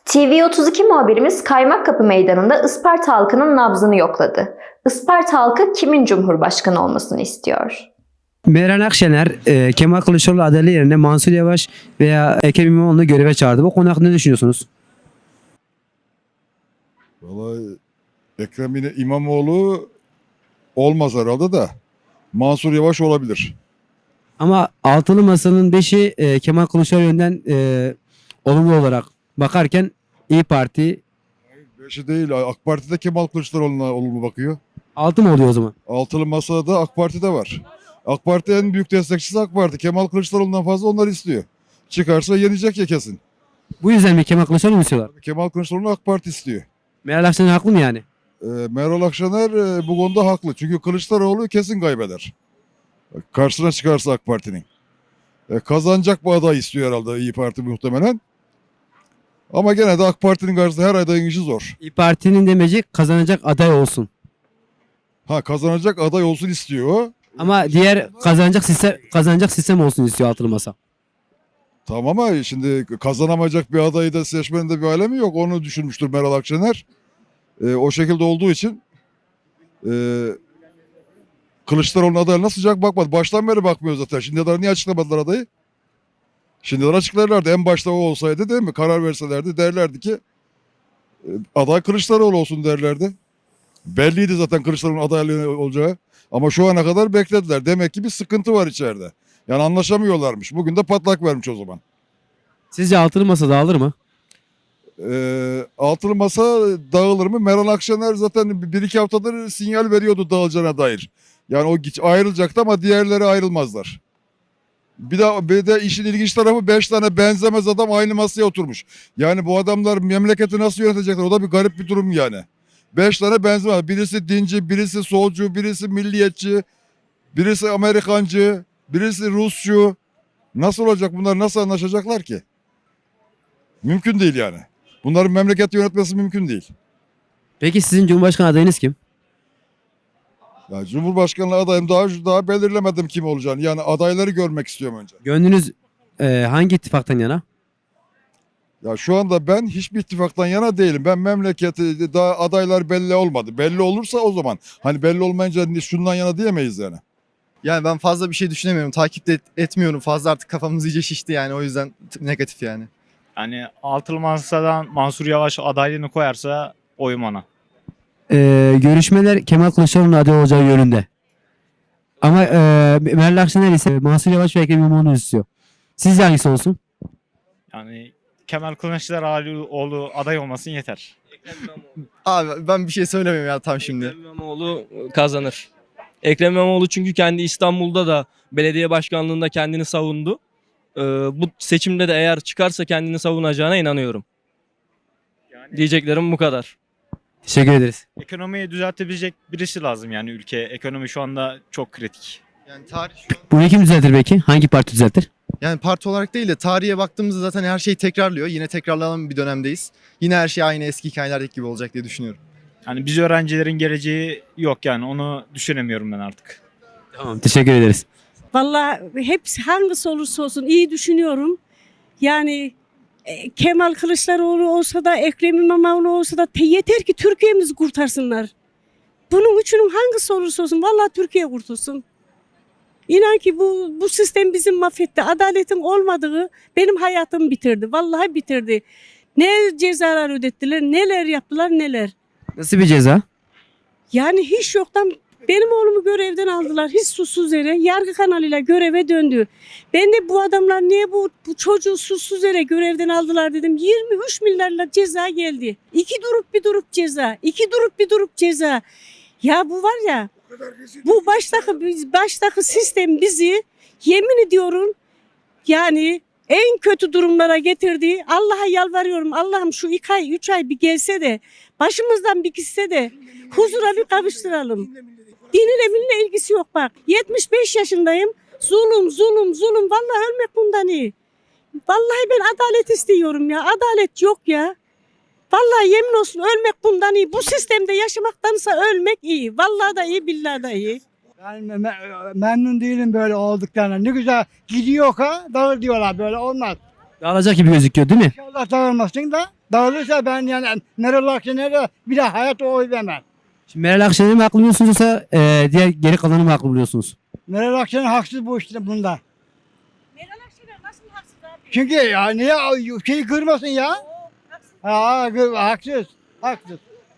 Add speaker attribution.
Speaker 1: TV32 muhabirimiz Kaymakkapı Meydanı'nda Isparta halkının nabzını yokladı. Isparta halkı kimin cumhurbaşkanı olmasını istiyor?
Speaker 2: Meral Akşener, Kemal Kılıçdaroğlu adaylığı yerine Mansur Yavaş veya Ekrem İmamoğlu'nu göreve çağırdı. Bu konu hakkında ne düşünüyorsunuz?
Speaker 3: Vallahi Ekrem İmamoğlu olmaz herhalde de Mansur Yavaş olabilir.
Speaker 2: Ama altılı masanın 5'i Kemal Kılıçdaroğlu yönden olumlu olarak bakarken İyi Parti
Speaker 3: Beşi değil, AK Parti'de Kemal Kılıçdaroğlu'na olumlu bakıyor.
Speaker 2: 6 mı oluyor o zaman?
Speaker 3: Altılı masada AK Parti'de var. AK Parti en büyük destekçisi AK Parti. Kemal Kılıçdaroğlu'ndan fazla onlar istiyor. Çıkarsa yenecek ya kesin.
Speaker 2: Bu yüzden mi Kemal Kılıçdaroğlu mu istiyorlar?
Speaker 3: Kemal Kılıçdaroğlu'nu AK Parti istiyor.
Speaker 2: Meral Akşener haklı mı yani?
Speaker 3: Meral Akşener bu konuda haklı. Çünkü Kılıçdaroğlu kesin kaybeder. Karşısına çıkarsa AK Parti'nin. Kazanacak bir aday istiyor herhalde İyi Parti muhtemelen. Ama gene de AK Parti'nin karşısında her adayın işi zor.
Speaker 2: İyi Parti'nin demeci kazanacak aday olsun.
Speaker 3: Kazanacak aday olsun istiyor o.
Speaker 2: Ama diğer kazanacak sistem olsun istiyor altılı masa.
Speaker 3: Tamam ama şimdi kazanamayacak bir adayı da seçmenin de bir alemi yok. Onu düşünmüştür Meral Akşener. O şekilde olduğu için Kılıçdaroğlu'nun adayına sıcak bakmadı. Baştan beri bakmıyor zaten. Şimdiye kadar niye açıklamadılar adayı? Şimdiden açıklarlardı. En başta o olsaydı değil mi? Karar verselerdi derlerdi ki aday Kılıçdaroğlu olsun derlerdi. Belliydi zaten Kılıçdaroğlu'nun adaylığı olacağı. Ama şu ana kadar beklediler. Demek ki bir sıkıntı var içeride. Yani anlaşamıyorlarmış. Bugün de patlak vermiş o zaman.
Speaker 2: Sizce altılı masa dağılır mı?
Speaker 3: Altılı masa dağılır mı? Meral Akşener zaten bir iki haftadır sinyal veriyordu dağılacağına dair. Yani o ayrılacaktı ama diğerleri ayrılmazlar. Bir de işin ilginç tarafı 5 tane benzemez adam aynı masaya oturmuş. Yani bu adamlar memleketi nasıl yönetecekler? O da bir garip bir durum yani. 5 tane benzemez. Birisi dinci, birisi solcu, birisi milliyetçi, birisi Amerikancı, birisi Rusçu. Nasıl olacak bunlar? Nasıl anlaşacaklar ki? Mümkün değil yani. Bunların memleketi yönetmesi mümkün değil.
Speaker 2: Peki sizin Cumhurbaşkanı adayınız kim?
Speaker 3: Ya Cumhurbaşkanlığı adayım daha belirlemedim kim olacağını. Yani adayları görmek istiyorum önce.
Speaker 2: Gönlünüz hangi ittifaktan yana?
Speaker 3: Ya şu anda ben hiçbir ittifaktan yana değilim. Ben memleketi daha adaylar belli olmadı. Belli olursa o zaman. Hani belli olmayınca şundan yana diyemeyiz yani.
Speaker 4: Yani ben fazla bir şey düşünemiyorum. Takip de etmiyorum. Fazla artık kafamız iyice şişti yani. O yüzden negatif yani.
Speaker 5: Yani altılı masadan Mansur Yavaş adaylığını koyarsa oyum ona.
Speaker 2: Görüşmeler Kemal Kılıçdaroğlu'nun aday olacağı yönünde. Ama Meral Akşener ise Mansur Yavaş ve Ekrem İmamoğlu'nu istiyor. Sizce hangisi olsun?
Speaker 5: Yani Kemal Kılıçdaroğlu aday olmasın yeter.
Speaker 4: Abi ben bir şey söylemiyorum ya tam şimdi.
Speaker 6: Ekrem İmamoğlu kazanır. Ekrem İmamoğlu çünkü kendi İstanbul'da da belediye başkanlığında kendini savundu. Bu seçimde de eğer çıkarsa kendini savunacağına inanıyorum. Diyeceklerim bu kadar.
Speaker 2: Teşekkür ederiz.
Speaker 5: Ekonomiyi düzeltebilecek birisi lazım yani ülke. Ekonomi şu anda çok kritik.
Speaker 4: Yani tarih şu an,
Speaker 2: Bunu kim düzeltir peki? Hangi parti düzeltir?
Speaker 4: yani parti olarak değil de tarihe baktığımızda zaten her şey tekrarlıyor. Yine tekrarlanan bir dönemdeyiz. Yine her şey aynı eski hikayelerdeki gibi olacak diye düşünüyorum.
Speaker 5: Yani biz öğrencilerin geleceği yok yani onu düşünemiyorum ben artık.
Speaker 2: Tamam, teşekkür ederiz.
Speaker 7: Vallahi hepsi hangisi olursa olsun iyi düşünüyorum. Yani Kemal Kılıçdaroğlu olsa da Ekrem İmamoğlu olsa da yeter ki Türkiye'mizi kurtarsınlar. Bunun üçünün hangisi olursa olsun vallahi Türkiye kurtulsun. İnan ki bu sistem bizi mahvetti. Adaletin olmadığı benim hayatımı bitirdi. Vallahi bitirdi. Ne cezalar ödettiler, neler yaptılar, neler.
Speaker 2: Nasıl bir ceza?
Speaker 7: Yani hiç yoktan benim oğlumu görevden aldılar. Hiç suçsuz yere yargı kanalıyla göreve döndü. Ben de bu adamlar niye bu çocuğu suçsuz yere görevden aldılar dedim. 23 milyarla ceza geldi. 2 durup bir durup ceza. 2 durup bir durup ceza. Ya bu var ya bu baştaki sistem bizi yemin ediyorum yani en kötü durumlara getirdi. Allah'a yalvarıyorum. Allah'ım şu 2 ay 3 ay bir gelse de başımızdan bir gitse de huzura bir kavuşturalım. Dinle minle ilgisi yok bak. 75 yaşındayım. Zulüm. Vallahi ölmek bundan iyi. Vallahi ben adalet istiyorum ya. Adalet yok ya. Vallahi yemin olsun ölmek bundan iyi. Bu sistemde yaşamaktansa ölmek iyi. Vallahi da iyi, billahi da iyi.
Speaker 8: Ben memnun değilim böyle olduklarına. Ne güzel gidiyor ha, dağıl diyorlar böyle olmaz.
Speaker 2: Dağılacak gibi gözüküyor değil mi?
Speaker 8: İnşallah dağılmasın da dağılırsa ben yani Meral Akşener'e bir daha hayat oy vermem.
Speaker 2: Şimdi Meral Akşener'i mi haklı buluyorsunuz yoksa diğer geri kalanı mı haklı buluyorsunuz?
Speaker 8: Meral Akşener haksız bu işte bunda.
Speaker 7: Meral Akşener nasıl haksız abi?
Speaker 8: Çünkü ya niye şeyi kırmasın ya?
Speaker 7: Oo, haksız.
Speaker 8: Haksız. Haksız.